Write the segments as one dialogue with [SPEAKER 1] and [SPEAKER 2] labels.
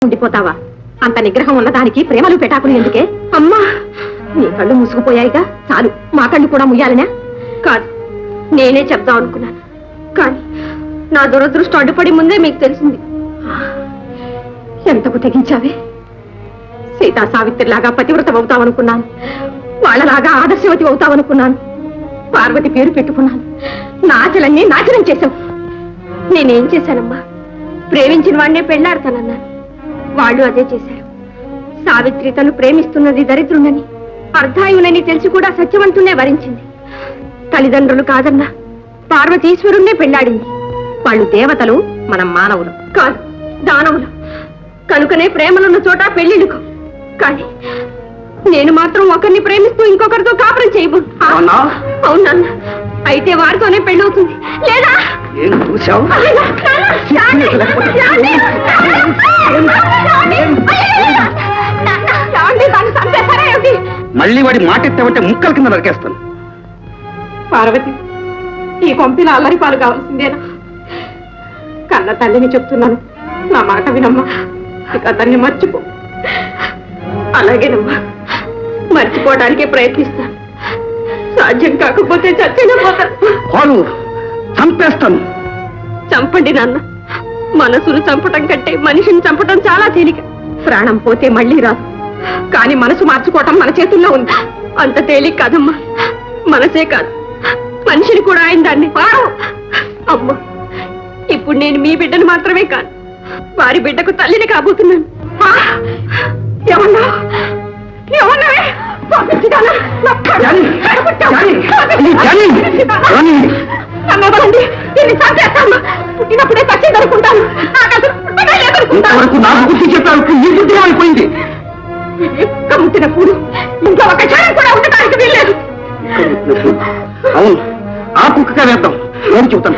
[SPEAKER 1] ఉండిపోతావా? అంత నిగ్రహం ఉన్నదానికి ప్రేమలు పెటాకులు ఎందుకే? అమ్మా, నీ కళ్ళు మూసుకుపోయాయిగా, చాలు. మా కళ్ళు కూడా ముయ్యాలనే? కాదు, నేనే చెప్దాం అనుకున్నాను, కానీ నా దురదృష్టం అడ్డుపడి ముందే మీకు తెలిసింది. ఎంతకు తెగించావే? సీతా సావిత్రిలాగా పతివ్రత అవుతావనుకున్నాను, వాళ్ళలాగా ఆదర్శవతి అవుతావనుకున్నాను. పార్వతి పేరు పెట్టుకున్నాను, నా ఆశలన్నీ నాశనం చేశావు. నేనేం చేశానమ్మా? ప్రేమించిన వాడినే పెళ్లాడతానన్నాను, వాళ్ళు అదే చేశారు. సావిత్రి తను ప్రేమిస్తున్నది దరిద్రుండని, అర్ధాయునని తెలిసి కూడా సత్యవంతునే వరించింది. తల్లిదండ్రులు కాదన్నా పార్వతీశ్వరుణ్ణే పెళ్లాడింది. వాళ్ళు దేవతలు, మనం మానవులు. కాదు, దానవులు. కనుకనే ప్రేమలున్న చోట పెళ్లిళ్ళుకో. కానీ నేను మాత్రం ఒకరిని ప్రేమిస్తూ ఇంకొకరితో కాపురం చేయబో. అవునన్న, అయితే వారితోనే పెళ్ళవుతుంది. లేదా
[SPEAKER 2] మళ్ళీ వాడి మాట ఎత్తామంటే ముక్కల కింద నరికేస్తాను.
[SPEAKER 1] పార్వతి, ఈ కొంపిలో అల్లరి పాలు కావాల్సిందేనా? కన్న తల్లిని చెప్తున్నాను, నా మాట వినమ్మా. ఇక అతన్ని మర్చిపో. అలాగేనమ్మా, మర్చిపోవడానికే ప్రయత్నిస్తాను. సాధ్యం కాకపోతే చచ్చిన పోతాను.
[SPEAKER 2] చంపేస్తాను.
[SPEAKER 1] చంపండి నాన్న. మనసును చంపటం కంటే మనిషిని చంపటం చాలా తేలిక. ప్రాణం పోతే మళ్ళీ రాదు, కానీ మనసు మార్చుకోవటం మన చేతుల్లో ఉంది. అంత తేలిక కాదమ్మా. మనసే కాదు, మనిషిని కూడా ఆయన దాన్ని. అమ్మా, ఇప్పుడు నేను మీ బిడ్డను మాత్రమే కాదు, వారి బిడ్డకు తల్లిని కాబోతున్నాను. ఏమన్నా ఏమన్నావే? పుట్టినప్పుడే సచ్చేది అనుకుంటాను.
[SPEAKER 2] అయిపోయింది.
[SPEAKER 1] ముట్టినప్పుడు ఇంకా ఒక క్షణం కూడా ఉండటానికి వీల్లేదు.
[SPEAKER 2] అవును, ఆ కుక్కగా వేద్దాం. నేను చెబుతాను.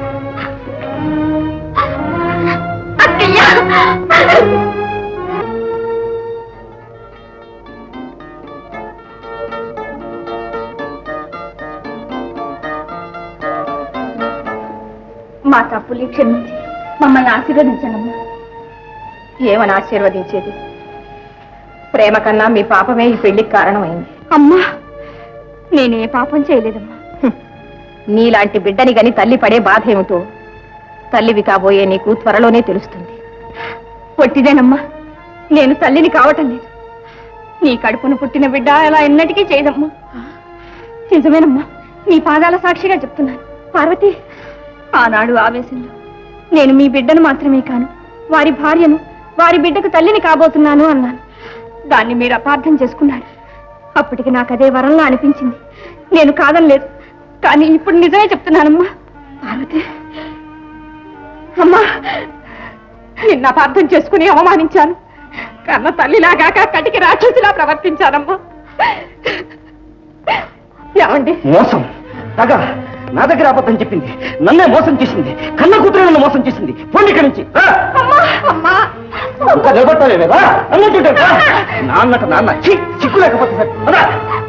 [SPEAKER 1] మా తప్పులు క్షమించి మమ్మల్ని ఆశీర్వదించండి. ఏమని ఆశీర్వదించేది? ప్రేమ కన్నా మీ పాపమే ఈ పెళ్లికి కారణమైంది. అమ్మా, నేనే పాపం చేయలేదమ్మా. నీలాంటి బిడ్డని గని తల్లి పడే బాధ ఏమిటో తల్లివి కాబోయే నీకు త్వరలోనే తెలుస్తుంది. పొట్టిదేనమ్మా, నేను తల్లిని కావటం లేదు. నీ కడుపును పుట్టిన బిడ్డ అలా ఎన్నటికీ చేయదమ్మా. నిజమేనమ్మా, నీ పాదాల సాక్షిగా చెప్తున్నాను. పార్వతి, ఆనాడు ఆవేశంలో నేను మీ బిడ్డను మాత్రమే కాను, వారి భార్యను, వారి బిడ్డకు తల్లిని కాబోతున్నాను అన్నాను. దాన్ని మీరు అపార్థం చేసుకున్నారు. అప్పటికి నాకు అదే వరంలా అనిపించింది. నేను కాదనలేదు, కానీ ఇప్పుడు నిజమే చెప్తున్నానమ్మా. పార్వతి అమ్మా, నిన్న అపార్థం చేసుకుని అవమానించాను. కన్న తల్లిలాగా కటికి రాక్షసిలా ప్రవర్తించానమ్మా. ఏమండి?
[SPEAKER 2] మోసం, తగ నా దగ్గర అబద్ధం చెప్పింది, నన్నే మోసం చేసింది. కన్న కూతురు నన్ను మోసం చేసింది. పోండి ఇక్కడి నుంచి. నిలబడతావేదా? నాన్నట నాన్న చిక్కు లేకపోతే సరే.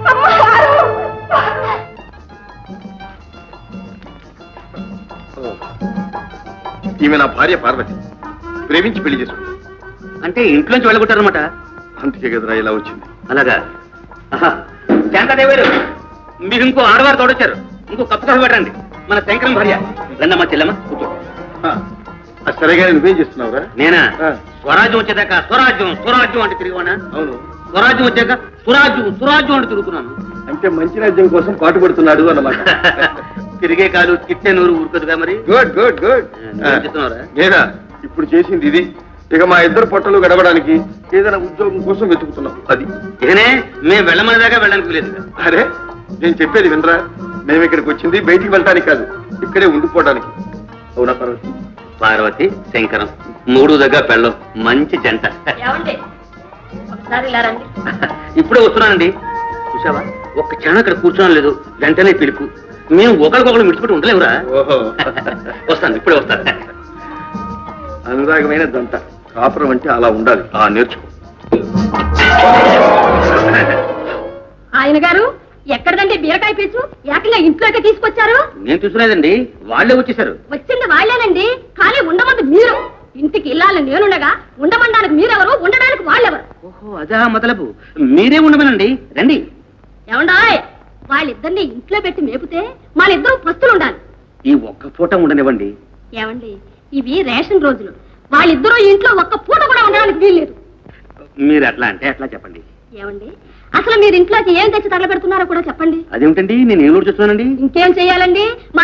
[SPEAKER 3] ఈమె నా భార్య పార్వతి, ప్రేమించి పెళ్లి చేసుకుంది.
[SPEAKER 2] అంటే ఇంట్లోంచి వెళ్ళగొట్టారనమాట.
[SPEAKER 3] అందుకే కదరా ఇలా వచ్చింది.
[SPEAKER 2] అలాగా? శాంతాదేవారు, మీరు ఇంకో ఆడవారు తోడొచ్చారు. ఇంకో కప్పు కాఫీ పెట్టండి. మన శంకరం భార్య. రండమ్మా చెల్లమ్మ, కూర్చో.
[SPEAKER 3] సరేగా, నువ్వేం చేస్తున్నావురా?
[SPEAKER 2] నేనా? స్వరాజ్యం వచ్చేదాకా స్వరాజ్యం స్వరాజ్యం అంటే తిరిగివానా?
[SPEAKER 3] అవును.
[SPEAKER 2] స్వరాజ్యం వచ్చాక సురాజ్యం సురాజ్యం అంటే తిరుగుతున్నాను.
[SPEAKER 3] అంటే మంచి రాజ్యం కోసం పాటు పడుతున్నాడు అన్నమాట.
[SPEAKER 2] తిరిగే కాలు తిట్టే నూరు ఊరుకదుగా మరి.
[SPEAKER 3] Good good good.
[SPEAKER 2] చెప్తున్నారా?
[SPEAKER 3] లేదా ఇప్పుడు చేసింది ఇది. ఇక మా ఇద్దరు పొట్టలు గడవడానికి ఏదైనా ఉద్యోగం కోసం వెతుకుతున్నాం. అది
[SPEAKER 2] ఇకనే మేము వెళ్ళమని దాకా వెళ్ళడానికి లేదు.
[SPEAKER 3] అరే, నేను చెప్పేది వినరా? మేము ఇక్కడికి వచ్చింది బయటికి వెళ్ళటానికి కాదు, ఇక్కడే ఉండిపోవడానికి. అవునా పార్వతి?
[SPEAKER 2] పార్వతి శంకరం మూడు దగ్గర పెళ్ళం మంచి జంట. ఇప్పుడే వస్తున్నానండి. చూసావా, ఒక్క క్షణం అక్కడ కూర్చోడం లేదు, వెంటనే పిలుపు. మేము ఒకరికొకరు మిడిచిపెట్టి ఉండలేవురా.
[SPEAKER 3] ఓహో,
[SPEAKER 2] వస్తాను, ఇప్పుడే వస్తాను.
[SPEAKER 3] అనురాగమైన జంట కాపురం అంటే అలా ఉండాలి. నేర్చుకో.
[SPEAKER 1] ఆయన గారు, ఎక్కడదండి బీరకాయ పీచు? ఏకంగా ఇంట్లోకి తీసుకొచ్చారు?
[SPEAKER 2] నేను చూసుకునేదండి, వాళ్ళే వచ్చేసారు.
[SPEAKER 1] వచ్చింది వాళ్ళేనండి, కానీ ఉండమంది మీరు. ఇంటికి ఇల్లాలని నేనుండగా ఉండమనడానికి మీరెవరు, ఉండడానికి వాళ్ళెవరు?
[SPEAKER 2] ఓహో అదా మొదలపు, మీరే ఉండమనండి, రండి.
[SPEAKER 1] ఏమండాయ్, వాళ్ళిద్దరిని ఇంట్లో పెట్టి మేపితే వాళ్ళిద్దరూ పస్తులు ఉండాలి.
[SPEAKER 2] ఈ ఒక్క పూట ఉండనివ్వండి.
[SPEAKER 1] ఏమండి, ఇవి రేషన్ రోజులు, వాళ్ళిద్దరూ ఇంట్లో ఒక్క పూట కూడా ఉండడానికి వీల్లేదు.
[SPEAKER 2] మీరు అట్లా అంటే అట్లా చెప్పండి.
[SPEAKER 1] ఏమండి, అసలు మీరు ఇంట్లోకి ఏం తెచ్చి తగలబెడుతున్నారో కూడా చెప్పండి.
[SPEAKER 2] అదేమిటండి, నేను ఏం చూస్తున్నానండి?
[SPEAKER 1] ఇంకేం చెయ్యాలండి, మా